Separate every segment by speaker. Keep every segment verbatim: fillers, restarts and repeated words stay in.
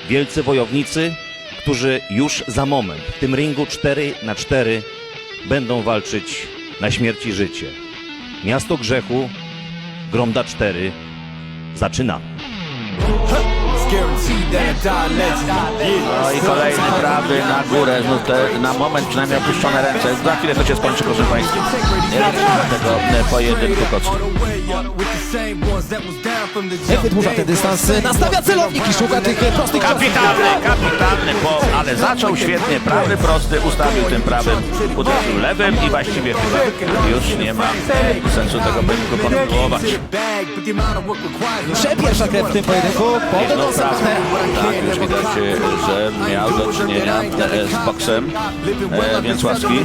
Speaker 1: wielcy wojownicy, którzy już za moment w tym ringu cztery na cztery będą walczyć na śmierć i życie. Miasto Grzechu, Gromda cztery. Zaczynamy.
Speaker 2: No i kolejny prawy na górę, znów te, na moment przynajmniej opuszczone ręce. Za chwilę to się skończy, proszę Państwa. Nie liczymy tego e, pojedynku kocki.
Speaker 3: Jak wydłuża ten dystans, nastawia celownik i szuka tych prostych ciosów.
Speaker 2: Kapitalny, kapitalny, bo, ale zaczął świetnie, prawy prosty, ustawił tym prawym, uderzył lewym i właściwie chyba już nie ma sensu tego pojedynku kontynuować.
Speaker 3: Pierwsza krew w tym pojedynku, potem
Speaker 2: No
Speaker 3: do
Speaker 2: prawda, tak, już widać, że miał do czynienia e, z boksem e, Więcławski.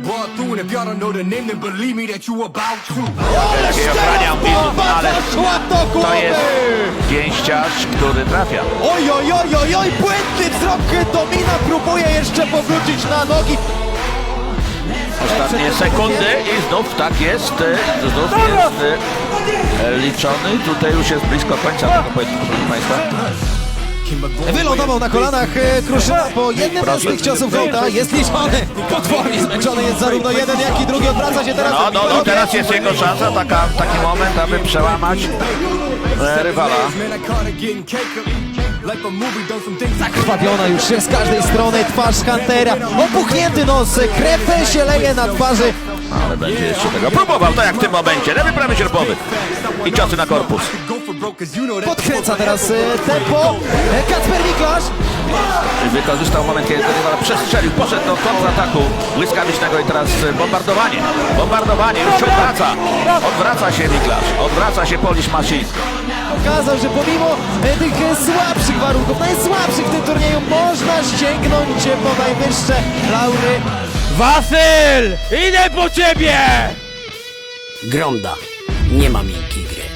Speaker 2: Lepiej ochraniał widzów, ale to jest pięściarz, który trafia.
Speaker 3: Oj, oj, oj, oj, oj, błędny wzrok Domina próbuje jeszcze powrócić na nogi.
Speaker 2: Ostatnie sekundy i znów tak jest, e, znów jest e, liczony. Tutaj już jest blisko końca tego pojedynku, proszę Państwa.
Speaker 3: Wylądował na kolanach Kruszyna po jednym z tych ciosów Gołda. Jest liczony. Potwornie zmęczony jest zarówno jeden, jak i drugi. Odwraca się teraz.
Speaker 2: No, no, no, teraz jest jego szansa, taka, taki moment, aby przełamać e, rywala.
Speaker 3: Zakrwawiona już z każdej strony twarz Huntera. Opuchnięty nos, krew się leje na twarzy.
Speaker 2: Ale będzie jeszcze tego próbował, tak jak w tym momencie. Lewy, prawy, sierpowy. I ciosy na korpus.
Speaker 3: Podkręca teraz tempo. Kacper Miklasz.
Speaker 2: Wykorzystał moment, kiedy rywal przestrzelił, poszedł do kontrataku błyskawicznego i teraz bombardowanie. Bombardowanie, już się odwraca. Odwraca się Miklasz, odwraca się Polish Machine.
Speaker 3: Pokazał, że pomimo tych słabszych warunków, najsłabszych w tym turnieju, można sięgnąć po najwyższe laury.
Speaker 4: Wasyl! Idę po ciebie!
Speaker 5: Gromda. Nie ma miękkiej gry.